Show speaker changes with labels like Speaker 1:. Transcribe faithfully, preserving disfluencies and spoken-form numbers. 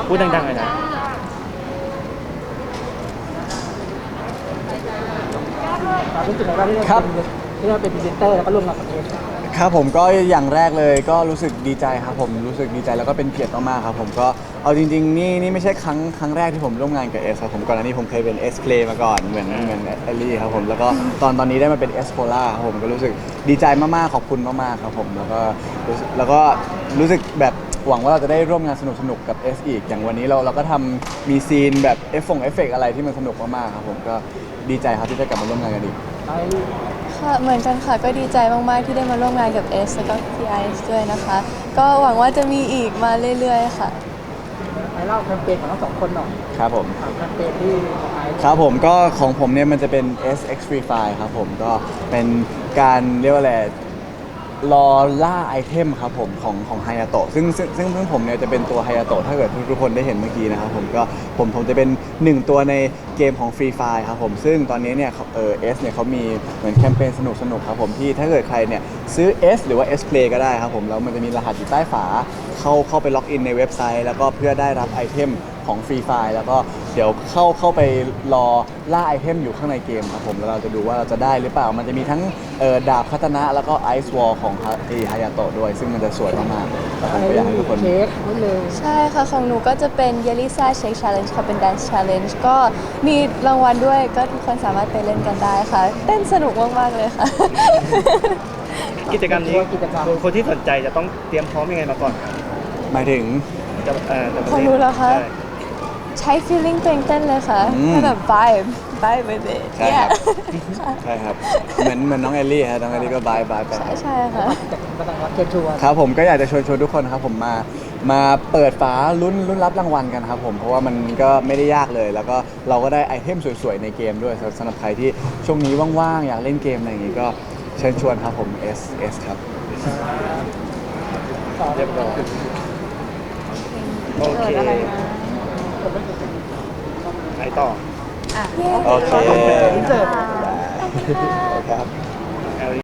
Speaker 1: พูดดังๆเลยนะ
Speaker 2: รู้สึกไงบ้างที่เราเป็นที่เราเป็นพรีเซนเตอร์แล้วก็ร่วมงานกับเอส
Speaker 3: ครับผมก็อย่างแรกเลยก็รู้สึกดีใจครับผมรู้สึกดีใจแล้วก็เป็นเกียรติมากๆครับผมก็เอาจริงๆนี่นี่ไม่ใช่ครั้งครั้งแรกที่ผมร่วมงานกับเอสครับผมก่อนหน้านี้ผมเคยเป็นเอสเพลย์มาก่อนเหมือนเหมือนเอลลี่ครับผมแล้วก็ตอนตอนนี้ได้มาเป็นเอสโพล่าครับผมก็รู้สึกดีใจมากๆขอบคุณมากๆครับผมแล้วก็รู้สึกแล้วก็รู้สึกแบบหวังว่าเราจะได้ร่วมงานสนุกๆกับ S อีกอย่างวันนี้เราเราก็ทำมีซีนแบบเอฟฟงเอฟเฟกอะไรที่มันสนุกมากๆครับผมก็ดีใจครับที่ได้กลับมาร่วมงานกันอีก
Speaker 4: ค่ะเหมือนกันค่ะก็ดีใจมากๆที่ได้มาร่วมงานกับ เอส แล้วก็ พี ไอ เอส ด้วยนะคะก็หวังว่าจะมีอีกมาเรื่อยๆค่ะ
Speaker 2: ไอเล่าแคมเปญของทั้งสองคนหน่อย
Speaker 3: ครับผม
Speaker 2: แคมเปญที่ของไอ
Speaker 3: ครับผมก็ของผมเนี่ยมันจะเป็น เอส X Free Fire ครับผมก็เป็นการเรียกว่าอะไรรอล่าไอเทมครับผมของของไฮยาโตะซึ่งซึ่งซึ่งซึ่งผมเนี่ยจะเป็นตัวไฮยาโตะถ้าเกิดทุกคนได้เห็นเมื่อกี้นะครับผมก็ผมผมจะเป็นหนึ่งตัวในเกมของ Free Fire ครับผมซึ่งตอนนี้เนี่ยเออ S เนี่ยเขามีเหมือนแคมเปญสนุกสนุกครับผมที่ถ้าเกิดใครเนี่ยซื้อ S หรือว่า S Play ก็ได้ครับผมแล้วมันจะมีรหัสอยู่ใต้ฝาเข้าเข้าไปล็อกอินในเว็บไซต์แล้วก็เพื่อได้รับไอเทมของฟรีไฟล์แล้วก็เดี๋ยวเข้าเข้าไปรอล่าไอเทมอยู่ข้างในเกมครับผมแล้วเราจะดูว่าเราจะได้หรือเปล่ามันจะมีทั้งเอ่อดาบคาตานะแล้วก็ไอซ์วอลของฮาฮายาโตะด้วยซึ่งมันจะสวยมากๆแล้วผมก็อยากให้ทุกคน
Speaker 2: เค้กนิดนึง
Speaker 4: ใช่ค่ะของหนูก็จะเป็น Yelisa Shake Challenge ค่ะเป็น Dance Challenge ก็มีรางวัลด้วยก็ทุกคนสามารถไปเล่นกันได้ค่ะเต้นสนุกมากๆเลยค่ะ
Speaker 1: กิจกรรมนี้คนที่สนใจจะต้องเตรียมพร้อมยังไงมาก่อนครับ
Speaker 3: หมายถึง
Speaker 1: จะเอ่อจะ
Speaker 4: ของหนูเหรอคะ
Speaker 1: ใช่
Speaker 4: ใช้ feeling ตัวเองเต้นเลยค่ะ
Speaker 3: อืม
Speaker 4: ให้แบบ vibe vibe with it
Speaker 3: ใช่ครับ
Speaker 4: yeah
Speaker 3: ใช่ครับเหมือนเหมือนน้องเอลลี่ฮะน้องเอลลี่ก็บายบายไป
Speaker 4: ใช่ใช่ค่ะ
Speaker 2: จากมาตั้งวัดเชิญชวน
Speaker 3: ครับผมก็อยากจะชวนชวนทุกคนครับผมมามาเปิดฝาลุ้นลุ้นรับรางวัลกันครับผมเพราะว่ามันก็ไม่ได้ยากเลย แล้วก็เราก็ได้ไอเทมสวยๆในเกมด้วยสำหรับใครที่ช่วงนี้ว่างๆอยากเล่นเกมอะไรอย่างงี้ก็เชิญชวนครับผม S S ครับ
Speaker 1: เรียบร้อยโอเคไปต่อ
Speaker 3: โอเค
Speaker 2: อินเสิร์ต
Speaker 3: ครับ